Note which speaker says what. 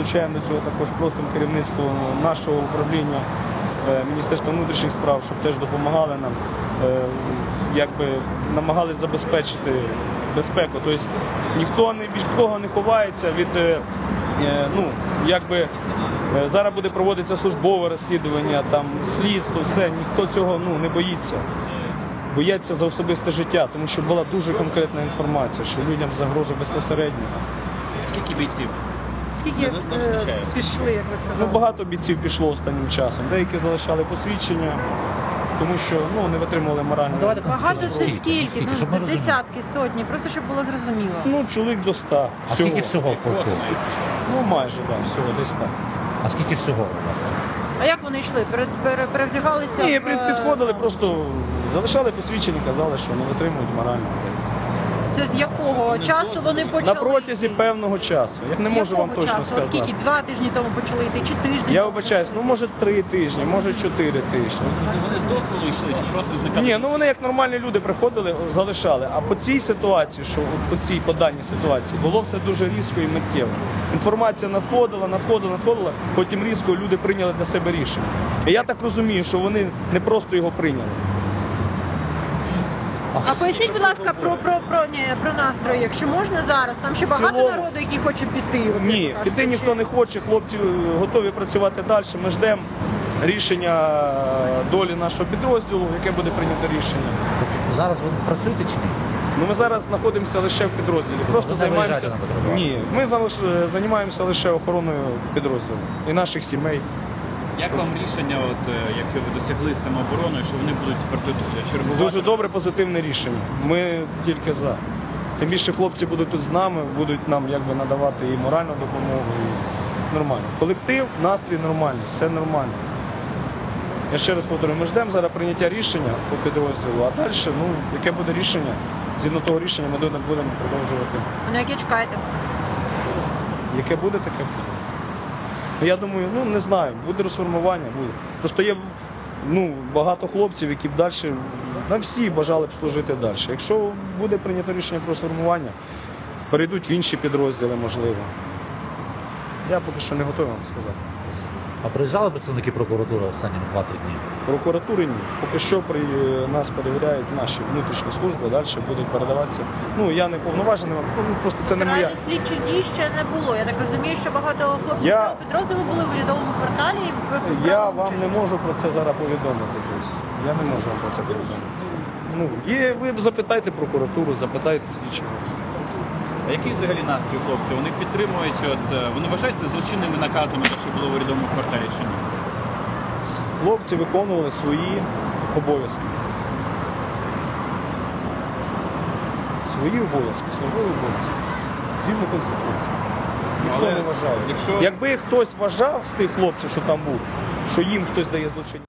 Speaker 1: залучаємо до цього, також просимо керівництво нашого управління Міністерства внутрішніх справ, щоб теж допомагали нам, намагались забезпечити безпеку. Тобто ніхто від кого не ховається від, зараз буде проводитися службове розслідування, там слідство, все, ніхто цього не боїться. Бояться за особисте життя, тому що була дуже конкретна інформація, що людям загрожує безпосередньо.
Speaker 2: Скільки бійців?
Speaker 3: Скільки пішли, як ви сказали?
Speaker 1: Багато бійців пішло останнім часом. Деякі залишали посвідчення, тому що не витримували морально.
Speaker 3: Багато це скільки? Десятки, сотні, просто щоб було зрозуміло.
Speaker 1: Чоловік до 100.
Speaker 4: А скільки всього коштує?
Speaker 1: Майже, всього десь так.
Speaker 4: А скільки всього у вас?
Speaker 3: А як вони йшли? Перевдягалися?
Speaker 1: Ні, підходили, просто залишали посвідчення, казали, що не витримують морально.
Speaker 3: Це з якого часу вони почали?
Speaker 1: На протязі певного часу. Я не можу вам точно сказати.
Speaker 3: Скільки? 2 тижні тому почали йти, чи тиждень?
Speaker 1: Я вибачаюсь, може 3 тижні, може 4 тижні.
Speaker 2: Вони з дозволу йшли, чи просто зникали?
Speaker 1: Ні, вони як нормальні люди приходили, залишали. А по цій ситуації, по даній ситуації, було все дуже різко і миттєво. Інформація надходила, потім різко люди прийняли для себе рішення. І я так розумію, що вони не просто його прийняли.
Speaker 3: А поясніть, будь ласка, про настрої, якщо можна зараз. Там ще багато народу, які хочуть піти.
Speaker 1: Ні, піти ніхто не хоче, хлопці готові працювати далі. Ми ждемо рішення долі нашого підрозділу, яке буде прийнято рішення.
Speaker 4: Зараз ви працюєте чи ні?
Speaker 1: Ми зараз знаходимося лише в підрозділі. Просто займаємося. Ні, ми займаємося лише охороною підрозділу і наших сімей.
Speaker 2: Як вам рішення, якщо ви досягли самообороною, що вони будуть тепер тут чергувати?
Speaker 1: Дуже добре, позитивне рішення. Ми тільки за. Тим більше хлопці будуть тут з нами, будуть нам надавати і моральну допомогу, і нормально. Колектив, настрій нормальний, все нормально. Я ще раз повторюю, ми ждемо зараз прийняття рішення по підрозділу, а далі, яке буде рішення, згідно того рішення ми будемо продовжувати.
Speaker 3: На яке чекаєте?
Speaker 1: Яке буде, таке буде. Я думаю, не знаю, буде розформування, буде. Просто є багато хлопців, які б далі, всі бажали б служити далі. Якщо буде прийнято рішення про сформування, перейдуть в інші підрозділи, можливо. Я поки що не готовий вам сказати.
Speaker 4: А приїжджали представники прокуратури останні 2-3 дні?
Speaker 1: Прокуратури ні. Поки що нас перевіряють наші внутрішні служби, далі будуть передаватися. Я не повноважений, просто це не моя.
Speaker 3: Наразі слідчих дій ще не було. Я так розумію, що багато хлопців підрозділу були в урядовому кварталі.
Speaker 1: Я вам не можу про це зараз повідомити. Я не можу вам про це повідомити. Ви запитайте прокуратуру, запитайте слідчого.
Speaker 2: А який взагалі настрій хлопців? Вони підтримують, вони вважаються злочинними наказами, що було в урядовому кварталі чи ні?
Speaker 1: Хлопці виконували свої обов'язки. Свої обов'язки, службові обов'язки. Згідно Конституції. Ніхто не вважає. Якби хтось вважав з тих хлопців, що там був, що їм хтось дає злочинні